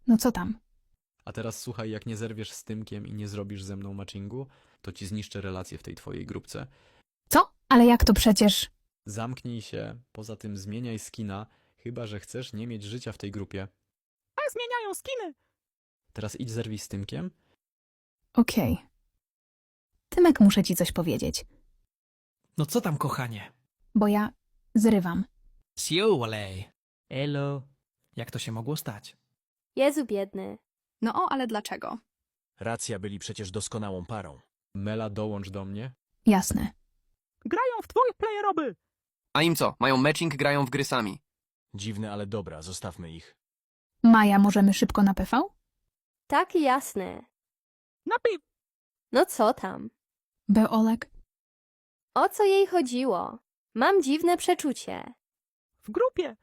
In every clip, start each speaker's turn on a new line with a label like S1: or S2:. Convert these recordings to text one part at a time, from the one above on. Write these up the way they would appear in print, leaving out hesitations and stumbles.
S1: No co tam?
S2: A teraz słuchaj, jak nie zerwiesz z Tymkiem i nie zrobisz ze mną matchingu, to ci zniszczę relacje w tej twojej grupce.
S1: Co? Ale jak to przecież?
S2: Zamknij się, poza tym zmieniaj skina, chyba że chcesz nie mieć życia w tej grupie.
S3: A zmieniają skiny.
S2: Teraz idź zerwij z Tymkiem.
S1: Okej. Tymek, muszę ci coś powiedzieć,
S3: No co tam, kochanie?
S1: bo ja zrywam.
S3: Siolej. Elo. Jak to się mogło stać?
S4: Jezu biedny.
S5: No o, ale dlaczego?
S6: Racja, byli przecież doskonałą parą.
S2: Mela, dołącz do mnie.
S1: Jasne.
S3: Grają w twoje playeroby.
S7: A im co? Mają matching, grają w gry sami.
S6: Dziwne, ale dobra, zostawmy ich.
S1: Maja, możemy szybko na PV?
S4: Tak jasne.
S3: Napiw.
S4: No co tam?
S1: Był Olek?
S4: O co jej chodziło? Mam dziwne przeczucie.
S3: W grupie.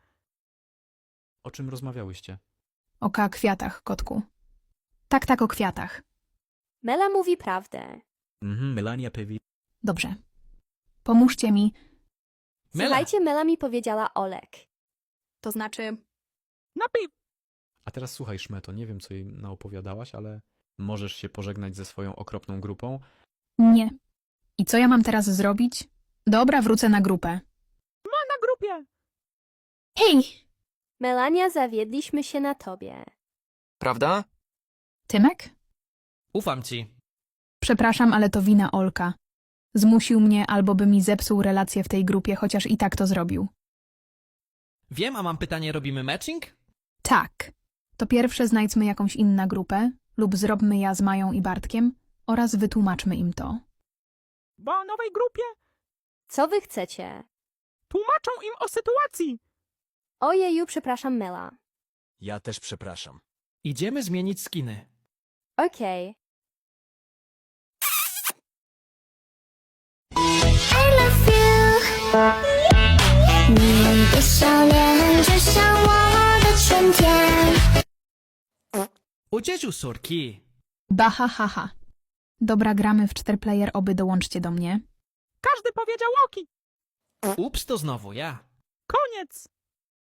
S2: O czym rozmawiałyście?
S1: O kwiatach, kotku. Tak, o kwiatach.
S4: Mela mówi prawdę.
S2: Melania Pewi.
S1: Dobrze. Pomóżcie mi.
S3: Mela.
S4: Słuchajcie, Mela mi powiedziała Olek.
S5: To znaczy,
S3: Napiw.
S2: A teraz słuchaj, Szmeto, nie wiem, co jej naopowiadałaś, ale możesz się pożegnać ze swoją okropną grupą.
S1: Nie. I co ja mam teraz zrobić? Dobra, wrócę na grupę.
S3: Na grupie.
S1: Hej!
S4: Melania, zawiedliśmy się na tobie.
S7: Prawda?
S1: Tymek?
S3: Ufam ci.
S1: Przepraszam, ale to wina Olka. Zmusił mnie, albo by mi zepsuł relację w tej grupie, chociaż i tak to zrobił.
S3: Wiem, a mam pytanie, robimy matching?
S1: Tak. To pierwsze znajdźmy jakąś inną grupę, lub zróbmy ja z Mają i Bartkiem oraz wytłumaczmy im to.
S3: Bo o nowej grupie
S4: Co wy chcecie?
S3: tłumaczą im o sytuacji.
S4: Ojeju, przepraszam, Mela.
S6: Ja też przepraszam.
S3: Idziemy zmienić skiny.
S4: Okej.
S8: I love you，你的笑脸就像我的春天。
S3: Ucieciu, sorki.
S1: Baha haha. Dobra, gramy w 4-player, oby dołączcie do mnie.
S3: Każdy powiedział oki.
S7: Ups, to znowu ja.
S3: Koniec.